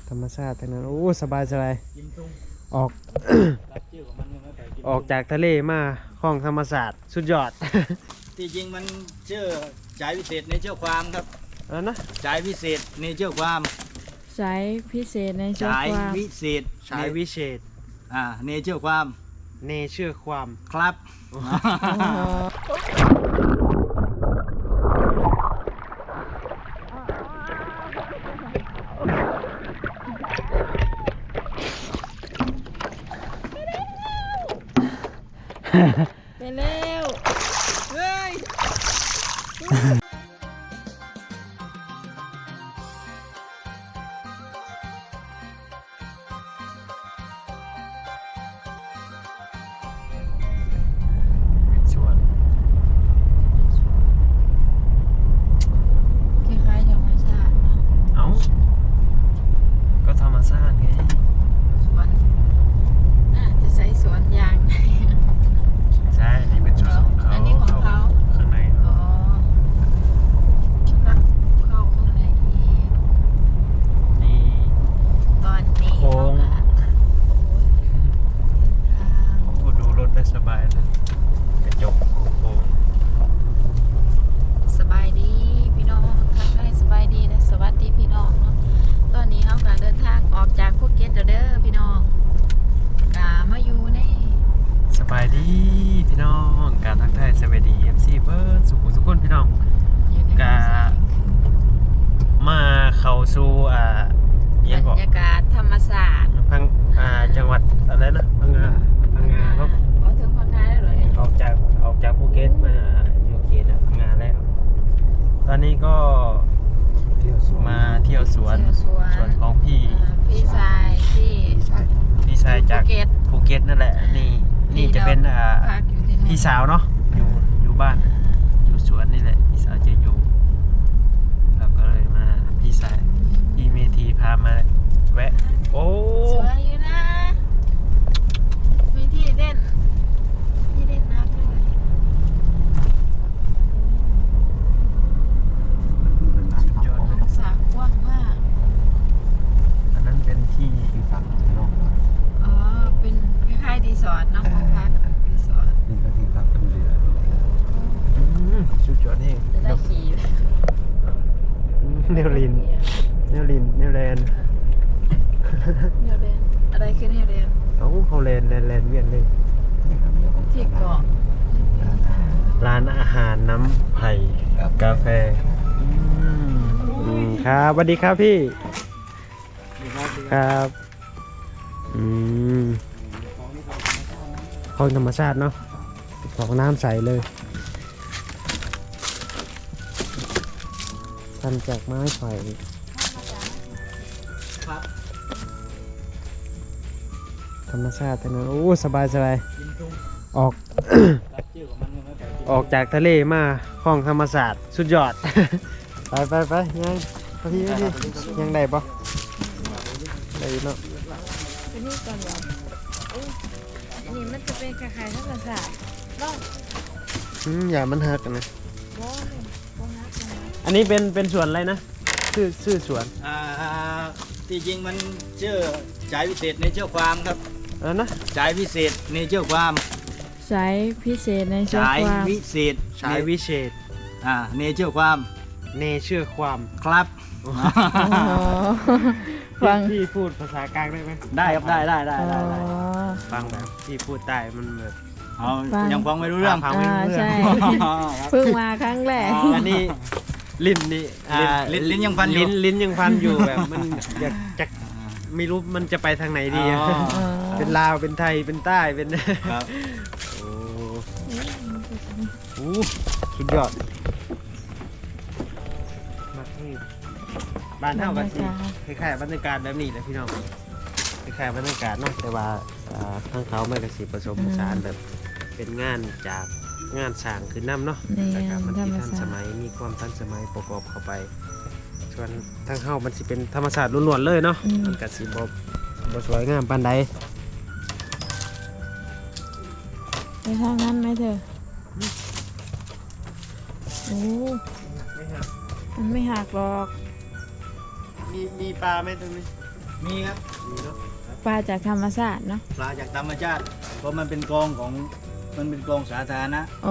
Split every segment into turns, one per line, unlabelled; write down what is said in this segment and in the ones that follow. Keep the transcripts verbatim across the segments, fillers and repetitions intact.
ธรรมชาติทั้งนั้นโอ้สบายสบายออก ออกจากทะเลมาคลองธรรมศาสตร์สุดยอด
ที่จริงมันชื่อสายพิเศษในเชื่อความครับ
อันนะ
สายพิเศษในเชื่อความ
สายพิเศษในเชื่อ
สาย
ความ
วิเศษ
สายวิเศษ
อ่าในเชื่อความ
เนเชื่อความ
ครับ
ไปเร็วเฮ้ย
สวน
คล้ายๆธรรมชาติเนาะ
เอ้าก็ธรรมชาติไง
สวนน่าจะใช้สวนยางไหน
ใช่นี่เป็นสวนของเขา
อันนี้ของเขา
ข้างใน
อ๋อเข้าข้างในอีก
นี่
ตอนนี้
โค้ง
โอ้ยทาง
โอ้ดูรถได้สบายเลยกระจกโค้ง
สบายดีพี่น้องทักทายสบายดีและสวัสดีพี่น้องเนาะตอนนี้เขากำลังเดินทางออกจากภูเก็ตแล้วเด้อพี่น้องกามาอยู่ใน
สบายดีพี่น้องการทักทายสบายดีเอ็มซีเบิร์ดสุขุมสุขคนพี่น้อง
อยู่ใน
กา มาเข้าสู่อ่า
บ
ยัง
ร
ก็
รยากาศธรรมศาสตร์
พังอ่าจังหวัดอะไรนะพังงาพังงาเนาะ
อ๋อถึงพังงาแล้วเหรอเนี่ย
ออกจากออกจากภูเก็ตมาอยู่เขตพังงาแล้ว ตอนนี้ก็มาเที่ยวสวน
เที่ยวสวน
สวนของพี่
อ่าพี่ชายที่
พี่ชายจาก
ภูเก็ต
ภูเก็ตนั่นแหละนี่นี่จะเป็นอ่า
พักอยู่ที่นั่น
พี่สาวเนาะอยู่อยู่บ้านอยู่สวนนี่แหละพี่สาวจะอยู่เราก็เลยมาพี่สายพี่เมธีพามาแวะโอ้
สวยอยู่นะมีที่เล่นที่เล่นน้ำด้วย
สุดยอด
โอ้
เลย
สระกว้างมาก
อันนั้นเป็นที่ฝั่งนอก
อ๋อเป็นคล้ายๆรีสอร์ทเนาะห้องพักรีสอร์ท
นี่ก็ที่พักเป็นเรือ
อืมสุดยอดนี่
จะได้ขี่
เนวลินเนวลินเนวแลนด์
เนวเรนอะไรคือเนวเรน
เอ้าเฮาแลนด์แลนด์แลนด์เวียนเลย
ที่เกาะ
ร้านอาหารน้ำไผ่กาแฟอืมอืมครับสวัสดีครับพี่ครับอืมคลองธรรมชาติเนาะของน้ำใสเลยทำจากไม้ไผ่
ครับ
ธรรมชาติทั้งนั้นโอ้สบายสบาย
ยินตุ้ง
ออก
รับชื่อของมันยังไม่ไป
ออกจากทะเลมาคลองธรรมศาสตร์สุดยอด ไปไปไปยังพี่พี่ยังได้ปะได้อยู่เนาะ
ไปนี่ก่อนเหรออุ๊ยอันนี้มันจะเป็นคล้ายๆธรรมศาสตร์บ้าง
อืมอย่ามันหักกันนะ
บ้องบ้องฮักบ้องฮัก
อันนี้เป็นเป็นสวนอะไรนะชื่อชื่อสวน
อ่าที่จริงมันชื่อสายพิเศษในเชื่อความครับ
อะไรนะ
สายพิเศษในเชื่อความ
สายพิเศษในเชื่อ
สาย
ความ
วิเศษ
สายวิเศษ
อ่าในเชื่อความ
เนเชื่อความ
ครับ
อ๋อฟัง
พี่พูดภาษากลางได้ไหม
ได้ครับได้ได้ได้
อ๋อ
ได้ได้
ฟังแบบพี่พูดใต้มันแบบ
เอา
ฟัง
ยังฟังไม่รู้เรื่อง
ฟังไม่รู้เรื่อง
ใช่
ครับ
เพิ่งมาครั้งแรก
อ๋อ
อันนี้ลิ้นนี่อ่า
ลิ้นลิ้นยังพันอยู่
ลิ้นลิ้นยังพันอยู่แบบมันอยากจะไม่รู้มันจะไปทางไหนดีอะ
อ๋อ
อ๋อ
เป็นลาวเป็นไทยเป็นใต้เป็น
ครับ
โอ้โหสุดยอดมากที่บ้านเท่ากันสิคล้ายๆบรรยากาศแบบนี้แหละพี่น้องคล้ายๆบรรยากาศเนาะแต่ว่าอ่าทางเขาไม่กระสีผสมผสานแบบเป็นงานจากงานสร้างคือน้ำเนาะ
นี่
แต่ก็มัน
ธร
ที่
รม
ทัน
ศา
ส
สตร์
มัยมีความทันสมัยประกอบเข้าไป ส่วนทางเฮามันสิเป็นธรรมศาสตร์ล้วนๆเลยเนาะมันก็สิบ่บ่สวยงามปานใด
ไปทางนั้นไหมเธอโอ้มันไม่หักหรอก
มีมีปลาไหมตรงนี้
มีครับ
มีเนาะ
ปลาจากธรรมชาติเนาะ
ปลาจากธรรมชาติเพราะมันเป็นกองของมันเป็นกองสาธารณะ
โอ้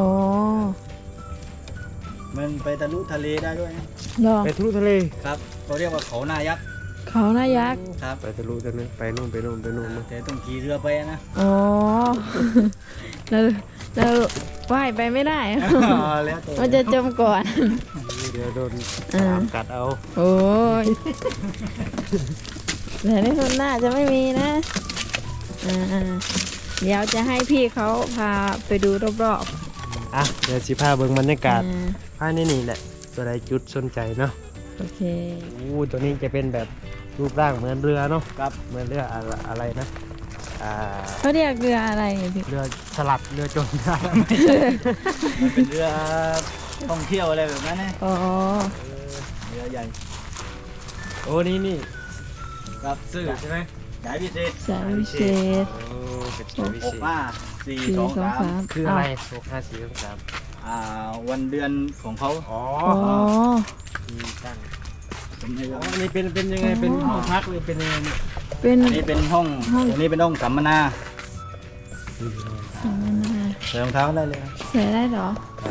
มันไปทะลุทะเลได้ด้วยนะ
เหรอ
ไปทะลุทะเล
ครับเขาเรียกว่าเขาหน้ายักษ์
เขาหน้ายักษ์
ครับ
ไปทะลุทะเลไปนู่นไปนู่นไปนู่นเนาะ
แต่ต้องขี่เรือไปนะ
อ๋อ แล้วแล้วว่ายไปไม่ได้
แล้วแต่
มันจะจมก่อน
เดี๋ยวโดน
อ่า
ตามกัดเอา
โอ้ยแต่ในคนหน้าจะไม่มีนะอ่าๆเดี๋ยวจะให้พี่เขาพาไปดูรอบ
อ่ะเดี๋ยวสิพาเบิ่งบรรยา
ๆ
กาศ
อ่า
ภายในนี่แหละตัวใดจุดสนใจเนาะ
โอเค
อู้ตัวนี้จะเป็นแบบรูปร่างเหมือนเรือเนาะ
ครับ
เหมือนเรืออะไรอะไรนะอ่า
เขาเรียกเรืออะไรพี่
เรือสลัดเรือจมได้
มันเป็นเรือท่องเที่ยวอะไรแบบนั้นนะ
อ๋อ
เรือใหญ่
โอ้นี่นี่
ครับ
ซื่อใช่ไหม
สายพิเศษ
สายวิเศษ
โอ้เป็นสายวิ
ห
เศ
ก
ษ
ห้าสี่
สี่
สอง
สอง
สาม
สาม
คืออะไรหกห้าสี่สองสาม
อ่าวันเดือนของเขา
อ๋อ
อ๋อ
มีตั้ง
ผมไม่
อ๋
รู้
ออันนี้เป็นเป็นยังไงเป็นห้องพักหรือเป็นยังไงเนี่ย
เป็น
อันนี้เป็นห้อง
ห้อง
อันนี้เป็นห้องสัมมนา
สัมมนา
ใส่รองเท้าได้เลยครับ
ใส่ได้เหรอ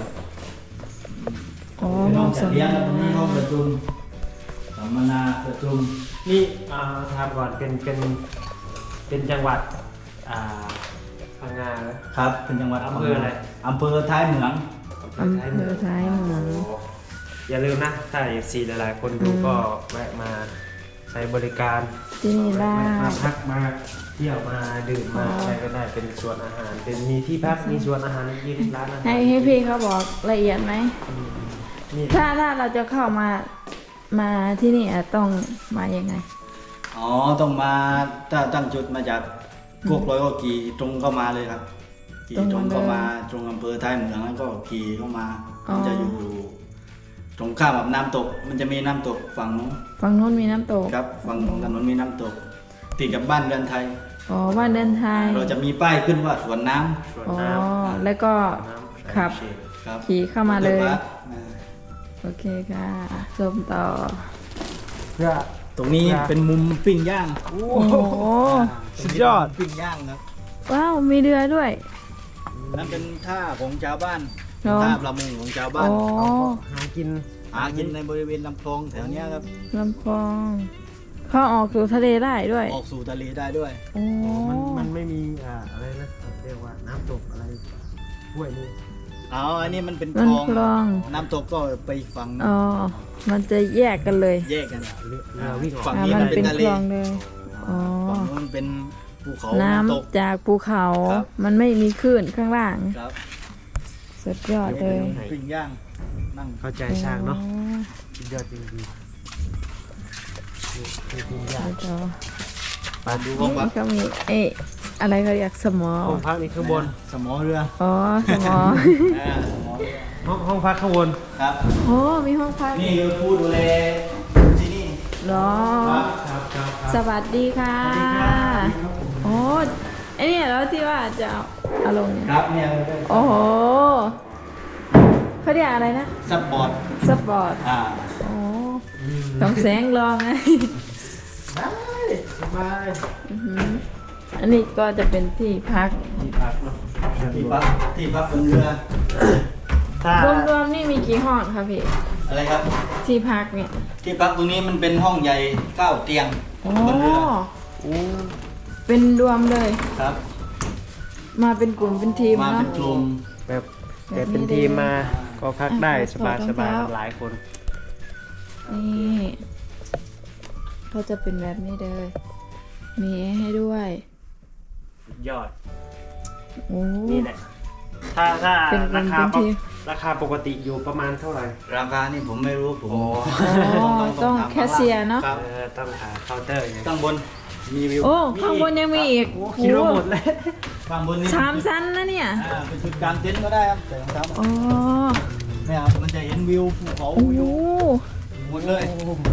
อ๋อ
เป็น
ห้
ห้
อ
อง ง
สั
จั
ม
ด
ม
เลี้ยง
นา
ตรงนี้ห้องประชุมสัมมนาประชุม
นี่อ่าถามก่อนเป็นเป็นเป็นจังหวัดอ่าพังงาเหรอ
ครับเป็นจังหวัด
อำเภออะไร
อำเภอท้ายเหมือง
อำเภอท้ายเหมือง
โอย่าลืมนะ ถ้าเอฟซีหลายๆคนดู
อืม
ก็แวะมาใช้บริการ
ที่นี่ได้
แวะมาพักมาเที่ยวมาดื่มมา
อ๋ออ
อะไรก็ได้เป็นส่วนอาหาร เป็นมีที่พักมีส่วนอาหารยินร้านอาหาร
ให้ให้พี่เขาบอกละเอียดไหม
อืมนี่
ถ้าถ้าเราจะเข้ามามาที่นี่อะต้องมายังไง
อ๋อต้องมาถ้าตั้งจุดมาจากโคกร้อยก็ขี่ตรงเข้ามาเลยครับขี่
ตรง
ตรงเข้า
มา
มา
เลย
ตรงอำเภอท้ายเหมืองแล้วก็ขี่เข้ามา
อ๋อ
มันจะอยู่ ตรงข้ามกับน้ำตก มันจะมีน้ำตกฝั่งนู้น
ฝั่งนู้นมีน้ำตก
ครับฝั่งของถนนมีน้ำตกติดกับบ้านเรือนไทย
อ๋อบ้านเดินไทย
เราจะมีป้ายขึ้นว่าสวนน้ำ
ส่วน
อ๋อ
น้ำ
แล้วก็
น้ำ
ขับ
ใส่เชล
ครับ
ขี่เข้ามาเลย
รถบัสอ่า
โอเคค่ะชมต่อ
เพื่อ
ตรงนี้
ครับ
เป็นมุมปิ้งย่าง
โอ้
โอ้โห
สุดยอด
ปิ้งย่างครับ
ว้าว มีเรือด้วย
นั่นเป็นท่าของชาวบ้าน
เหรอ
ท่าประมงของชาวบ้า
อ๋
น
อ
หากิน
หากินในบริเวณลำคลองแถวเนี้ยครับ
ลำคลองเข้าออกสู่ทะเลได้ด้วย
ออกสู่ทะเลได้ด้วย
โอ้
มันมันไม่มีอ่าอะไรนะเรียกว่าน้ำตกอะไรห้วยนี่
อ๋ออันนี้มันเป็นค
มัน
ลอง
คลอง
น้ำตกก็ไปฝั่ง
อ๋อ มันจะแยกกันเลย
แยกกัน
เรือเรือวิ่งออก
ฝั่ง
อ่า
นี้
มั
มัน น
เป็
เป็น น
ค
ทะเล
ลองเลย อ๋อ
ฝั่งนู้นเป็นภูเขา
น้
น้ำตก
ำจากภูเขา
ครับ
มันไม่มีคลื่นข้างล่าง
ครับ
สุดยอดเลย
ปิ้งย่างนั่ง
เข้าใจช่างเนาะ
อ๋อ
สุดยอดจริงๆนี่คือปิ้งย่าง
แล้วก็
มาดู
ห้องพัก
นี่ก็มีเอ๊ะอะไรเขาเรียกสมอ
ห้องพักนี่ข้างบน
สมอเรือ
อ๋อ สมอ
อ่าสมอเรือ
ห้องห้องพักข้างบน
ครับ
โอ้มีห้องพัก
นี่คือผู้ดูแลที่นี่
เหรอ
ครับครับครับ
สวัสดีค่ะโอ้ไอเนี่ยแล้วที่ว่าจะเอาเอาลงเนี่ย
ครับเนี่ย
โอ้โหเขาเรียกอะไรนะ
ซับบอร์ด
สปอร์ต
อ่า
โอ้ต้องแสงรองไง
ได้สบาย
อื้อหืออันนี้ก็จะเป็นที่พัก
ที่พักเนาะ
ที่พักที่พักบนเรือ
ถ้าร
วมๆนี่มีกี่ห้องคะพี่
อะไรครับ
ที่พักเนี่ย
ที่พักตรงนี้มันเป็นห้องใหญ่เก้าเตียง
อ๋อบ
นเรือ
โอ้
เป็นรวมเลย
ครับ
มาเป็นกลุ่มเป็นทีม
มา
เนาะ
เป็นกลุ่ม
แบบแบบเป็นทีมมาก็พักได้สบายสบายหลายคน
นี่ก็จะเป็นแบบนี้เลย มีให้ด้วย
สุดยอด
โอ้
นี่แหละ ถ้าถ้า
เป็น
ราคา
เป็น
ป
ที
กราคาปกติอยู่ประมาณเท่าไหร่
ราคานี่ผมไม่รู้ผม
โอ้
อ๋อต้องแคชเชียร์เนาะ
ครับ
เออต้องหาเคาน์เตอร์อย่างเงี้ย
ข้างบน
มีวิว
โอ้ข้างบนยังมีอีก
โอ้คิดว่าหมดแล้ว
ข้างบนนี่
สามชั้นนะเนี่ย
อ่าเป็นจุดกลางเต็นท์ก็ได้ครับแต่รองเท้า
อ๋อ
เนี่ยครับมันจะเห็นวิวภูเขา
โอ้
วิวหมดเลย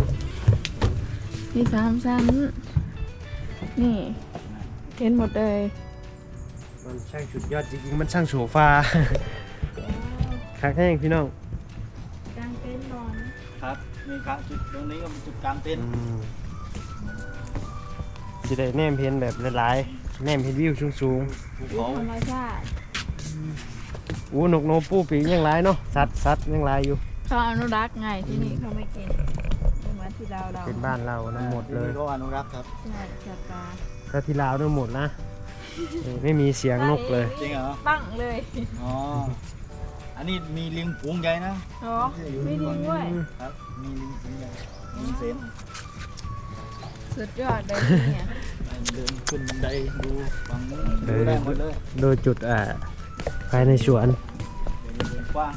มีสามชั้น นี่เห็นหมดเลย
มันช่างสุดยอดจริงๆมันช่างโฉฟาคักแห้งพี่น้อง
กางเต็นท์นอน
ครับนี่ครับจุดตรงนี้ก็เป็นจุดกลางเต็นท์
อืมสิได้แนมเห็นแบบหลายๆแนมเห็นวิวสูง
ภู
วิว
เขา
ธรรมชาติ
ๆอู้นกโนปูปีกยังหลายเนาะสัตว์สัตว์ยังหลายอยู่
เขาอนุรักษ์ไงที่นี่เขาไม่กินเหมือนที่เราเรา
เป็นบ้านเราทั้งหมดเลย
ที่นี่ก็อนุรักษ์ครับ
ใช่สัตว์ป่า
ถ้าที่ลาวทั้งหมดนะนี่ไม่มีเสียงนกเลย
จริงเหรอ
ตั้งเลย
อ๋ออันนี้มีลิงฝูงใหญ่นะ
เหรอไม่ดีด้วย
ครับมีลิงฝูงใหญ่ลิงเซน
สุดยอดเลยเนี่ย
เดินขึ้นบันไดดูฝั่งนู้นดูได้หมดเลย
โดยจุดอ่าภายในสวน
เดินเดินกว้าง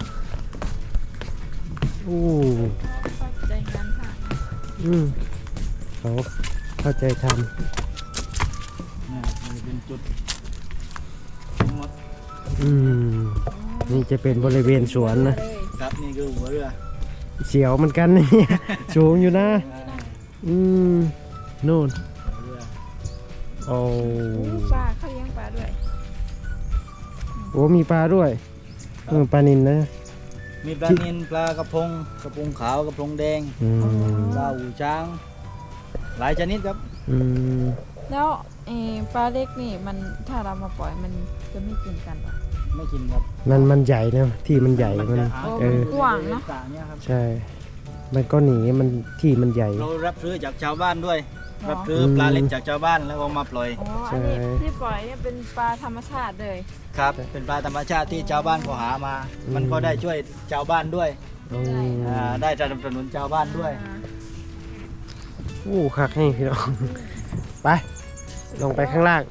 อู้
เข้าใจงานค่ะ
อืมเขาเข้าใจท
เนี่ยนี่เป็นจุดทั้งหมด
ำอืมนี่จะเป็นบริเวณสวนนะ
ครับนี่คือหัวเรือ
เสียวเหมือนกันนี่ สูงอยู่นะ อืมนู่น
หัวเรือ
โอ้
ปลาเขาเลี้ยงปลาด้วย
โหมีปลาด้วยเออปลานิลนะ
มีปลานิลปลากระพงกระพงขาวกระพงแดง
อืม
ปลาหูช้าง หลายชนิดครับ
อืม
แล้วเออปลาเล็กนี่มันถ้าเรามาปล่อยมันจะไม่กินกันหรอ
ไม่กินครับ
มันมันใหญ่นะที่มันใหญ่มัน
จะหา
เออ
กว้างเนอะ
ต่างๆเนี่ยครับ
ใช่ มันก็หนีมันที่มันใหญ่
เรารับซื้อจากชาวบ้านด้วย
หรอ
รับซื้อปลาเล็กจากชาวบ้านแล้วก็มาปล่อย
อ๋ออันนี้ที่ปล่อยเนี่ยเป็นปลาธรรมชาติเลย
ครับ เป็นปลาธรรมชาติที่ชาวบ้านเขาหามา มันก็ได้ช่วยชาวบ้านด้วย
อืม
อ่าได้สนับสนุนชาวบ้านด้วย
อู้คักให้พี่น้อง ไป ลงไปข้างล่าง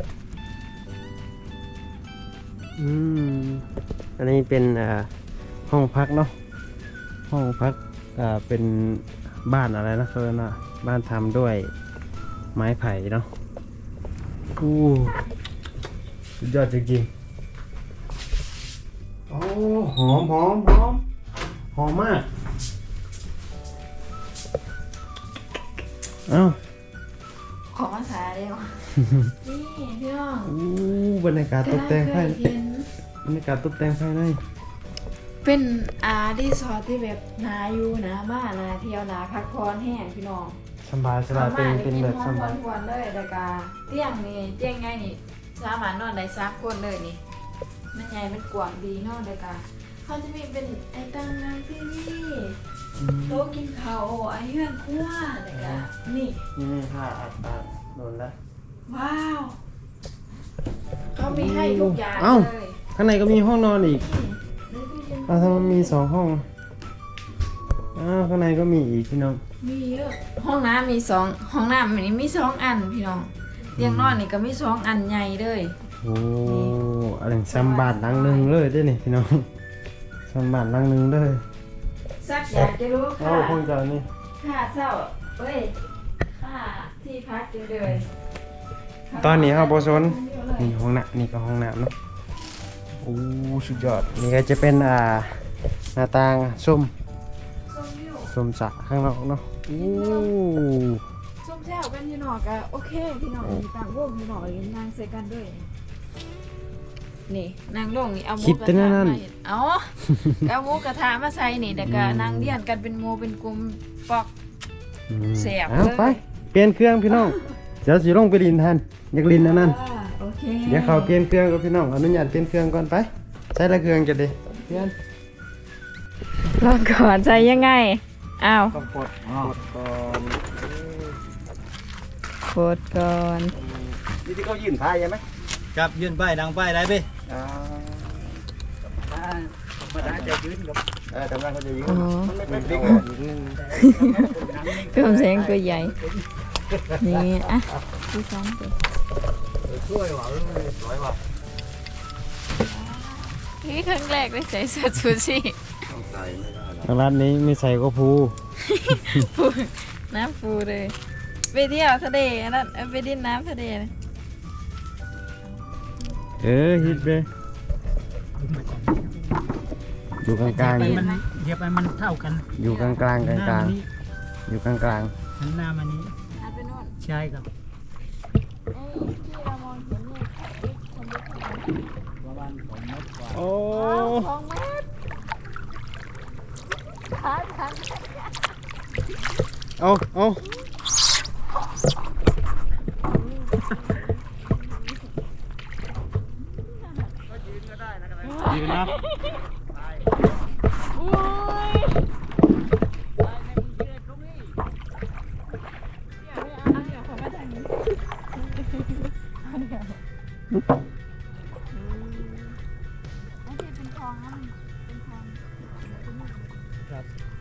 อืม อันนี้เป็นอ่าห้องพักเนาะ ห้องพักอ่าเป็นบ้านอะไรนะเพื่อนนะบ้านทำด้วยไม้ไผ่เนาะอู้สุดยอดจริงๆโอ้หอมหอมหอมหอมมาก เอ้า
ขอมาสาเดียว นี่พี่น้อง
อู้บรรยากาศตกแต่งภายใน
เห็น
บรรยากาศตกแต่งภายใน
เป็นอารีสอร์ทที่แบบนาอยู่นะมานาเที่ยวนาพักผ่อนแห้งพี่น้อง
สบายสบายเป็นเป็นแบบส
ห้อง
บาย
ผ่อนเลยแต่กาเตียงนี่เตียงไงนี่สามารถนอนได้สามคนเลยนี่มันใหญ่มันกว้างดีเนอนแต่กาเขาจะมีเป็นไอ้ตั้งนางที่นี่โต๊ะกินข้าวไอ้เฮือนครัวแต่กานี่
นี่นี่ผ้าอัดปากโดนแล้ว
ว้าวเขามีให้ทุกอย่าง
เอ้า
เลย
ข้างในก็มีห้องนอนอีก
นี่เลยพี่เย็น
อ้าวทำไมมีสองห้องอ้าวข้างในก็มีอีกพี่น้อง
มีเยอะห้องน้ำมีสองห้องน้ำนี่มีสองอันพี่น้องเตียงนอนนี่ก็มีสองอันใหญ่เลย
โอ้อะไรซัมบาทหลังหนึ่งเลยได้นี่พี่น้องซัมบาทหลังหนึ่งเลย
สักอยากจะรู้
เอ้า
ค่ะ
ห้องเจ้านี่
ค่าเช่าเอ้ยค่าที่พักจังเลย
ตอนนี้เฮาบ่สนนี่ห้องน้ำนี่ก็ห้องน้ำเนาะโอ้สุดยอดนี่ก็จะเป็นอ่าหน้าต่างส้ม
ส้มวิว
ส้มสระข้างนอกเนาะโอ้
ส้มแช่วกันอยู่หนอกอะโอเคพี่น้องมีต่างวงอยู่หนอกเลยนางใส่กันด้วยนี่นางลงนี่เอาหมู
คิด
กระ
แต่
ทะ
นั่น
มาเห็ดเอาเอาหมูกระทะมาใส่นี่แต่ก็นางเลี้ยนกันเป็นหมูเป็นกลุ่มปอก
อืม
แสบ
เอา
เลย
ไปเปลี่ยนเครื่องพี่น้องเดี๋ยวสิลงไปลินทันอยากลินอันนั้น
อ่าโอเค
เดี๋ยวเขาเปลี่ยนเครื่องกับพี่น้องอนุญาตเปลี่ยนเครื่องก่อนไปใช้ละเครื่องจะดีเปลี่ยน
ลองก่อนใส่ยังไงอ้าว
ต้องกด
อ๋อก
ดก่อน
กดก่อน
นี่ที่เขายื่นพายใช่ไหม
ครับยื่นป้ายดังป้ายได้พี่
อ่า
มาได้จะยืนกับ
เออกำลังเขาจะยื่น
อ๋อ
มันไม่เป็นติ๊กนิดนึง
เพิ่มแสงตัวใหญ่ นี่อ่ะที่สองตัว
ช่วยว่ะสวยว่ะ
นี่ครั้งแรกได้ใส่เสื้อชูชีพ
ต้องใส่ไม่ได้หรอกร้านนี้ไม่ใส่ก็พู
ฟูน้ำฟูเลยไปเที่ยวทะเลอันนั้นเอาไปดินน้ำทะเลนะ
เออฮิตไปอยู่กลางกลางๆ
ไป
อยู่
มันเดี๋ยวไปมันเท่ากัน
อยู่กลางกลางกลาง
ห
ก
น้า
ลาง
มันนี้
อยู่กลางกลาง
หันหน้ามานี้
อันไปโน่น
ใช่ครับ
ไอ้ที่เรามองเห็นนี่คนเดียว
ประมาณสองเมตรกว่า
โอ้
สองเมตรขาทัน
เอาเอา
นอันที่เป็นทองนะมันเป็นทอง
ครับ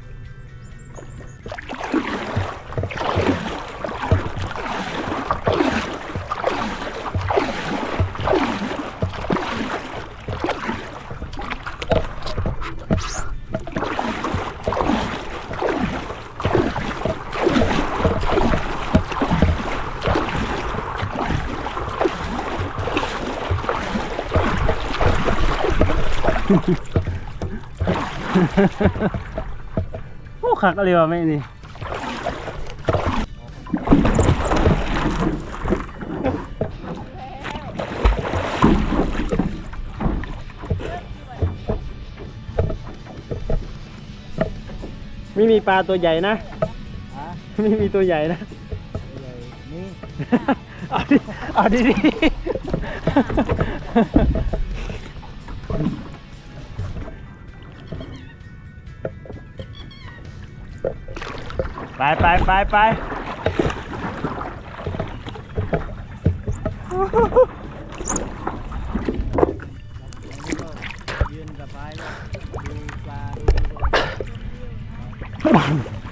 โอ้คักอะไรวะแม่นี่ไม่มีปลาตัวใหญ่นะไม่มีตัวใหญ่นะ
นี่
เอาดิเอาดิดิไปไปไปไป
ยืนสบายเลยดูปลาดู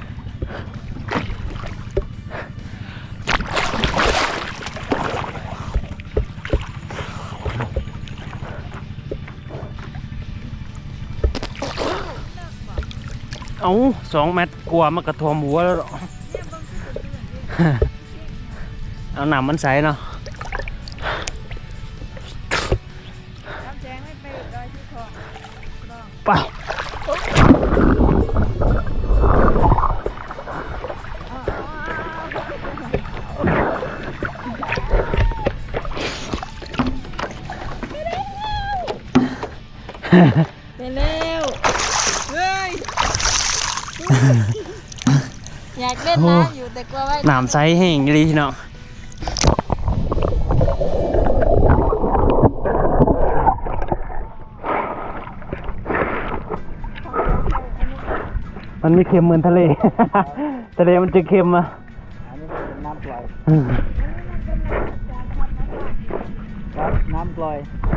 เอาสองเม็ดกลัวมันกระทวมหัวแล้วหรอ เอาหนามมันใสเนาะ
น้ำแจงไม่ไปดอยที่ทองลอง
ไป
ไปเร็วเฮ้ย อยากเล่นน้ำอยู่แต่กลัวว่า
หนามใสแห้งดีเนาะมันไม่เค็มเหมือนทะเล ทะเลมันจะเค็มอ่ะ
อันนี้เป็นน้ำปล่อย
อืม
ครับน้ำปล่อย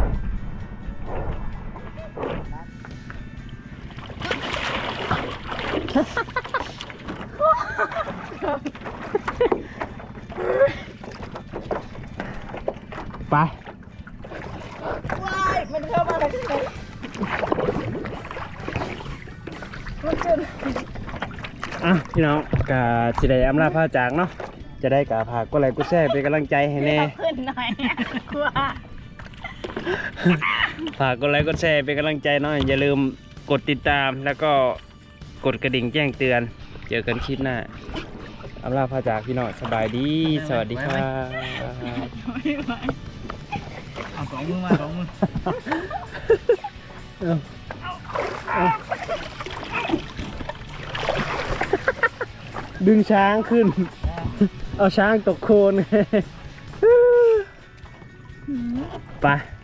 ไป
ว้ายมันเข้ามาได้ยังไงมันขึ้น
อ่ะพี่น้องกะสิได้อำลาพาจากเนาะจะได้กะพากก็ไลค์ก็แชร์เป็นกำลังใจให้แน่
ขึ้นหน่อยกลัว
ฝากกดไลค์กดแชร์เป็นกำลังใจหน่อยอย่าลืมกดติดตามแล้วก็กดกระดิ่งแจ้งเตือนเจอกันคลิปหน้าอำลาพาจากพี่น้องสบายดีสวัสดีครับ
เอาสองมือมาสองมือ
เอาเอาดึงช้างขึ้น เอาช้างตกโคลน ไป